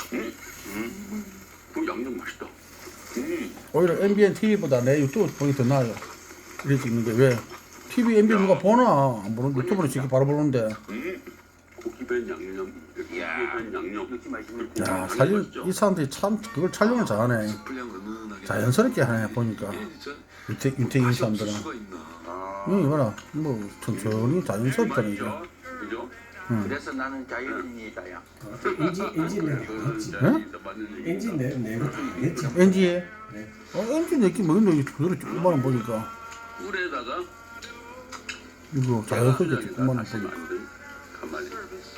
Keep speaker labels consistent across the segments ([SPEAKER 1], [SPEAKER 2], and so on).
[SPEAKER 1] 그 양념 맛있다.
[SPEAKER 2] 오히려 MBN TV보다 내 유튜브 보기 더 나아요. 이렇게 찍는 게 왜? TV MBN 누가 보나? 안 보는 유튜브로 찍기 바로 보는데.
[SPEAKER 1] 고기 밴 양념, 고기 밴 양념 이렇게 맛있는.
[SPEAKER 2] 야, 사실 이 사람들이 참 그걸 촬영을 잘하네. 자연스럽게 하네 보니까. 윤택인 사람들은. 이거 봐라, 뭐 천천히 자연스럽잖아 이게.
[SPEAKER 1] 그죠?
[SPEAKER 3] 그래서 나는 자연인이다야.
[SPEAKER 4] 엔진 내고 했죠.
[SPEAKER 2] NG에? NG 내기 뭐 근데 그대로 조금만 보니까
[SPEAKER 1] 꿀에다가
[SPEAKER 2] 이거 자연스럽게 조금만 보니까.
[SPEAKER 1] 가만히.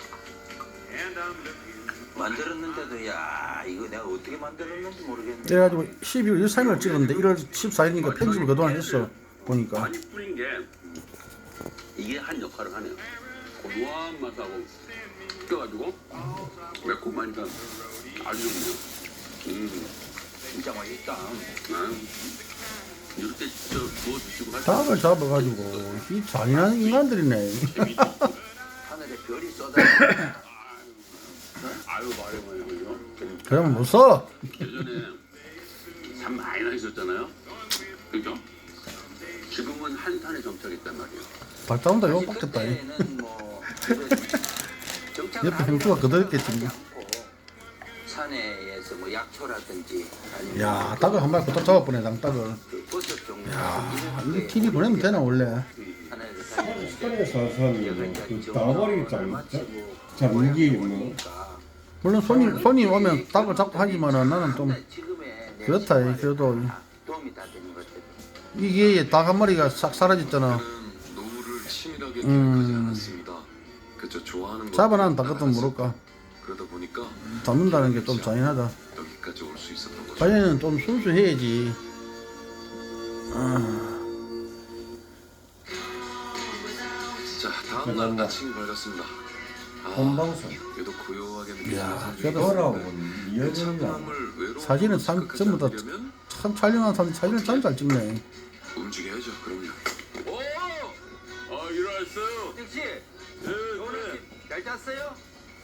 [SPEAKER 3] 만들었는데도 야 이거 내가 어떻게 만들었는지 모르겠네.
[SPEAKER 2] 그래가지고 12월 13일 찍었는데 1월 14일이니까 편집을 그동안 했어 보니까.
[SPEAKER 1] 많이 뿌린 게 이게 한 역할을 하네요. 고소한 맛하고 껴가지고 매콤하니까 아주 좋네요.
[SPEAKER 3] 진짜 맛있다.
[SPEAKER 1] 이렇게 저 구워 드시고 할
[SPEAKER 2] 닭을 잡아가지고 이 잔인한 인간들이네.
[SPEAKER 3] 하늘에 별이 쏟아.
[SPEAKER 1] 아유 말해봐요.
[SPEAKER 2] 그러면 못 써.
[SPEAKER 1] 예전에 산 많이 나셨잖아요. 그죠? 지금은 한산에 정착했단 말이에요.
[SPEAKER 2] 닭 잡는다 욕 먹겠다. 옆에 형수가 그대로겠지 뭐.
[SPEAKER 3] 산에서 뭐 약초라든지 아니면
[SPEAKER 2] 야, 닭을 한 마리 부탁 잡아보네, 닭을.
[SPEAKER 3] 그 버섯 종류
[SPEAKER 2] 야, 이거 TV 보내면 되나 원래?
[SPEAKER 4] 산에서 그 나와버리기 잡는 뭐
[SPEAKER 2] 물론 손님 오면 닭을 잡고 하지만은 나는 좀 그렇다. 그래도
[SPEAKER 3] 도움이 다 되는 것들.
[SPEAKER 2] 이게 닭 한 마리가 싹 사라졌잖아.
[SPEAKER 5] 노후를 치밀하게 기억하지 않았습니다. 그저 좋아하는 것
[SPEAKER 2] 잡아놓은 닭 같은 모를까?
[SPEAKER 5] 그러다 보니까
[SPEAKER 2] 잡는다는 게 좀 잔인하다.
[SPEAKER 5] 여기까지 올 수 있었던 거죠.
[SPEAKER 2] 자네는 좀 순수해야지.
[SPEAKER 5] 자, 다음 날 아침이 밝았습니다.
[SPEAKER 4] 본방송
[SPEAKER 5] 얘도 고요하게
[SPEAKER 2] 야,
[SPEAKER 5] 느껴지는
[SPEAKER 2] 그래도
[SPEAKER 4] 뭐라고 이어지는 거
[SPEAKER 5] 차분함을 외로운
[SPEAKER 2] 사진은
[SPEAKER 5] 곳으로
[SPEAKER 2] 전부 다
[SPEAKER 5] 가져가려면
[SPEAKER 2] 참 촬영한 사람 사진을 참 잘 찍네.
[SPEAKER 5] 움직여야죠. 그럼요.
[SPEAKER 1] 오! 일어났어요.
[SPEAKER 3] 택시
[SPEAKER 1] 네,
[SPEAKER 3] 오늘 잘 잤어요?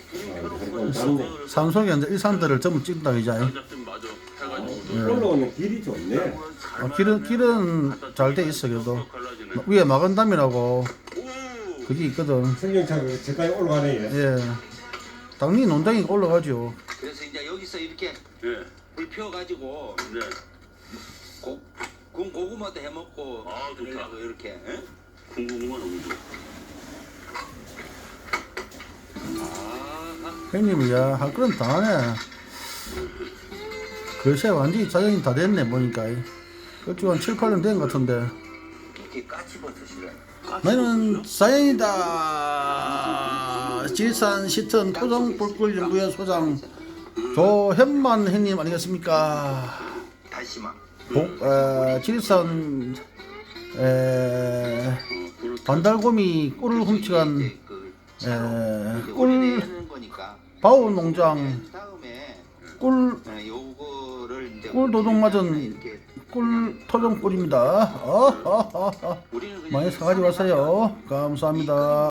[SPEAKER 2] 산속에 이제 일산들을 전부 찍는다 이제.
[SPEAKER 1] 잡좀 맞아. 해가지고.
[SPEAKER 4] 올라오는 길이 좋네.
[SPEAKER 2] 길은 잘 돼 있어 그래도. 위에 마건담이라고 그게 있거든.
[SPEAKER 4] 승용차가 저까지 올라가네.
[SPEAKER 2] 예. 당연히 농장이 올라가죠.
[SPEAKER 3] 그래서 이제 여기서 이렇게
[SPEAKER 1] 예.
[SPEAKER 3] 불 피워가지고
[SPEAKER 1] 네.
[SPEAKER 3] 군 고구마도 해먹고
[SPEAKER 1] 아, 좋다.
[SPEAKER 3] 그러려고 이렇게 응?
[SPEAKER 1] 궁금한 너무 좋아.
[SPEAKER 2] 형님이 할 그런 다 하네. 글쎄 완전히 자연이 다 됐네 보니까. 그쪽 한 7, 8년 된 것 같은데.
[SPEAKER 3] 이렇게 까치버섯이래.
[SPEAKER 2] 나는 자연이다. 질산 시턴 토종불꿀 연구원 소장 조현만 형님 아니겠습니까?
[SPEAKER 3] 다시마.
[SPEAKER 2] 질산 반달곰이 꿀을 훔쳐간 꿀 바우 농장 꿀 도둑 맞은 꿀 토종 꿀입니다. 많이 사가지고 가세요. 감사합니다.